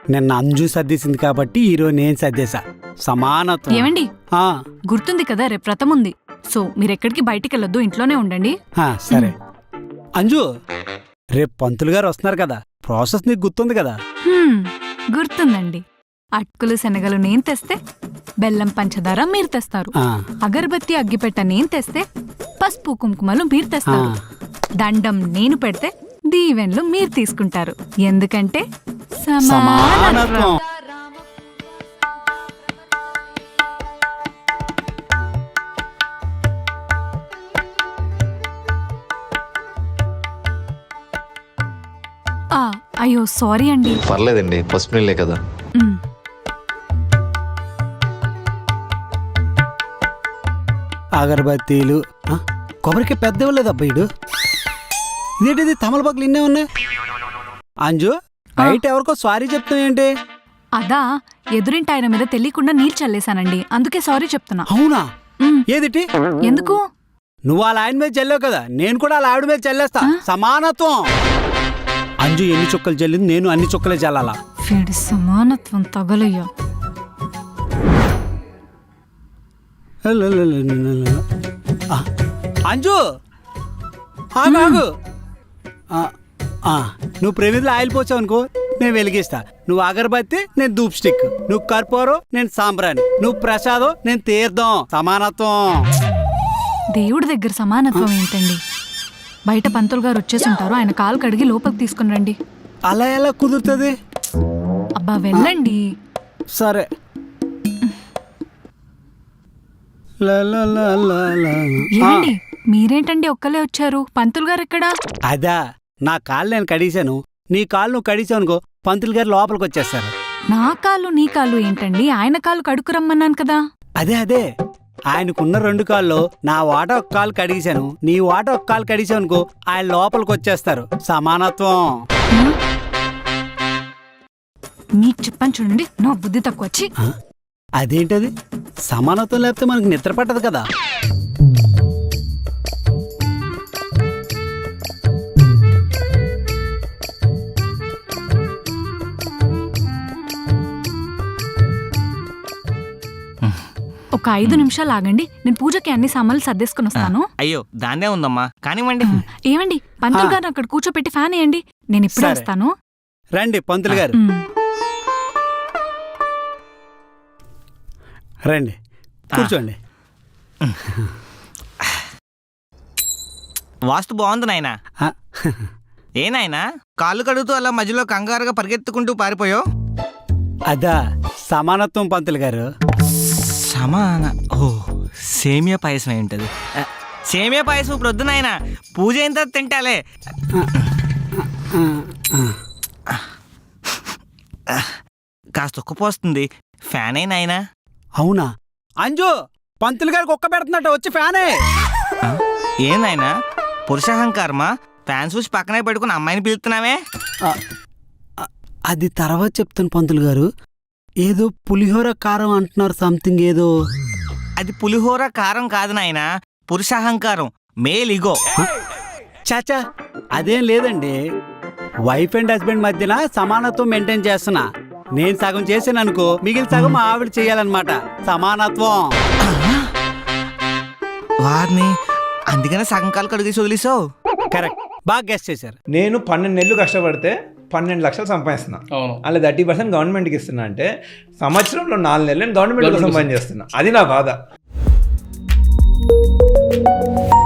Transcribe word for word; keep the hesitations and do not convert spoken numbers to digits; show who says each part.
Speaker 1: నిన్న అంజు సర్దేసింది కాబట్టి ఈరోజు నేను సర్దేశా. సమానత్వం.
Speaker 2: ఏమండి
Speaker 1: ఆ,
Speaker 2: గుర్తుంది కదా రేపు వ్రతం ఉంది, సో మీరెక్కడికి బయటికి వెళ్ళొద్దు, ఇంట్లోనే ఉండండి.
Speaker 1: ఆ, సరే. అంజు, రేపు పంతులు గారు వస్తున్నారు కదా, ప్రాసెస్ నీకు గుర్తుంది కదా?
Speaker 2: హ్మ్, గుర్తుందండి. అటుకులు శనగలు నేను తెస్తే బెల్లం పంచదార మీరు తెస్తారు,
Speaker 1: ఆ,
Speaker 2: అగరబత్తి అగ్గిపెట్ట నేను తెస్తే పసుపు కుంకుమలు మీరు తెస్తారు, దండం నేను పెడితే దీవెన్లు మీరు తీసుకుంటారు. ఎందుకంటే సమానత్వం.
Speaker 1: సమానత్వం.
Speaker 2: ఆ, అయ్యో సారీ అండి.
Speaker 3: పర్లేదండి, పసుపు నీళ్ళే కదా.
Speaker 2: మ్,
Speaker 1: అగరబత్తీలు, ఆ, కొబ్బరికి పెద్ద ఇవ్వలేదు అబ్బాయిడు. ఇదేంటిది తమలపాకులు ఇన్నే ఉన్నాయి. అంజు, బయట ఎవరికో సారీ చెప్తావు ఏంటి?
Speaker 2: అదా ఎదురింటి ఆయన మీద తెలియకుండా నీళ్ళు చల్లేశానండి, అందుకే సారీ చెప్తున్నా.
Speaker 1: అవునా?
Speaker 2: మ్,
Speaker 1: ఏదిటి?
Speaker 2: ఎందుకు?
Speaker 1: నువ్వు వాళ్ళ ఆయన మీద చల్లావు కదా, నేను కూడా వాళ్ళ ఆవిడ మీద చల్లేస్తా. సమానత్వం. అంజు ఎన్ని చుక్కలు చల్లింది, నేను అన్ని చుక్కలే చల్లాలా.
Speaker 2: వీడి సమానత్వం తగలయ్యా.
Speaker 1: ఆ, అంజు ఆగు, ఆగు. ఆ, ఆ, నువ్వు ప్రమిదిలో ఆయిల్ పోసావు అనుకో, నేను వెలిగిస్తా. నువ్వు అగరబత్తి, నేను ధూప్ స్టిక్. నువ్వు కర్పూరం, నేను సాంబ్రాణి. నువ్వు ప్రసాదం, నేను తీర్థం. సమానత్వం.
Speaker 2: దేవుడి దగ్గర సమానత్వం ఏంటండి? బయట పంతులు గారు వచ్చేసుంటారు, ఆయన కాలు కడిగి లోపలికి తీసుకుని రండి.
Speaker 1: అలా ఎలా కుదురుతుంది?
Speaker 2: అబ్బా వెళ్ళండి.
Speaker 1: సరే. లా, లా, లా, లా, లా.
Speaker 2: ఏమండి మీరేంటండి ఒక్కలే వచ్చారు? పంతులు గారు ఎక్కడా?
Speaker 1: అదా, నా కాళ్ళు నేను కడిగాను, నీ కాళ్ళు నువ్వు కడిగావు అనుకో, పంతులు గారు లోపలికి వచ్చేస్తారు.
Speaker 2: నా కాళ్ళు నీ కాళ్ళు ఏంటండి? ఆయన కాళ్ళు కడుకు రమ్మన్నాను కదా.
Speaker 1: అదే అదే, ఆయనకున్న రెండు కాళ్ళు నా వాట ఒక కాలు కడిగాను, నీ వాట ఒక కాలు కడిగావు అనుకో, ఆయన లోపలికి వచ్చేస్తారు. సమానత్వం.
Speaker 2: హ్మ్? మీకు చెప్పని చూడండి, నా బుద్ధి తక్కువ వచ్చి.
Speaker 1: ఆ? అదేంటది? సమానత్వం లేకపోతే మనకు నిద్ర పట్టదు కదా.
Speaker 2: ఒక ఐదు నిమిషాలు ఆగండి, నేను పూజకి అన్ని సామాన్లు సర్దేసుకుని వస్తాను.
Speaker 4: అయ్యో దాన్నే ఉందమ్మా, కానివ్వండి.
Speaker 2: ఏమండి పంతులు గారు అక్కడ కూర్చోపెట్టి ఫ్యాన్ వేయండి, నేను ఇప్పుడే
Speaker 1: సరే.
Speaker 2: వస్తాను.
Speaker 1: రండి పంతులు గారు,
Speaker 2: మ్,
Speaker 1: రండి కూర్చోండి.
Speaker 4: వాస్తు బాగుంది నాయనా.
Speaker 1: ఆ,
Speaker 4: ఏ నాయనా, కాళ్ళు కడుగుతూ అలా మధ్యలో కంగారుగా పరిగెత్తుకుంటూ పారిపోయావు?
Speaker 1: అదా సమానత్వం పంతులు గారు.
Speaker 4: సమాన ఓ సేమియా పాయసం అయి ఉంటుంది. ఆ, సేమియా పాయసం ఇప్పుడు వద్దు నాయనా, పూజ అయిన తర్వాత తింటాలే.
Speaker 1: ఆ,
Speaker 4: కాస్త ఉక్కపోస్తుంది, ఫ్యాన్ అయి నాయనా.
Speaker 1: అవునా? అంజు, పంతులు గారికి ఒక్క పెడుతున్నట్టు వచ్చి ఫ్యానే.
Speaker 4: ఆ, ఏం నాయనా, పురుషాహంకారమా? ఫ్యాన్ చూసి పక్కనే పెట్టుకుని అమ్మాయిని పిలుస్తున్నావే?
Speaker 1: ఆ, ఆ, అది తర్వాత చెప్తాను పంతులు గారు. ఏదో పులిహోర కారం అంటున్నారు, సంథింగ్ ఏదో.
Speaker 4: అది పులిహోర కారం కాదు నాయనా, పురుషాహంకారం, మేల్ ఇగో.
Speaker 1: చాచా, అదేం లేదండి. వైఫ్ అండ్ హస్బెండ్ మధ్యన సమానత్వం మెయింటైన్ చేస్తున్నా. నేను సగం చేసాను అనుకో, మిగిలిన సగం మా ఆవిడ చేయాలన్నమాట. సమానత్వం.
Speaker 4: వారిని అందుకనే సగం కాలు కడిగేసి వదిలేసావు.
Speaker 1: కరెక్ట్, బాగా గెస్ట్ చేశారు.
Speaker 5: నేను పన్నెండు నెలలు కష్టపడితే పన్నెండు లక్షలు సంపాదిస్తున్నా. అలా థర్టీ పర్సెంట్ గవర్నమెంట్కి ఇస్తున్నా అంటే సంవత్సరంలో నాలుగు నెలలు నేను గవర్నమెంట్ కోసం సంపాదించేస్తున్నా. అది నా బాధ.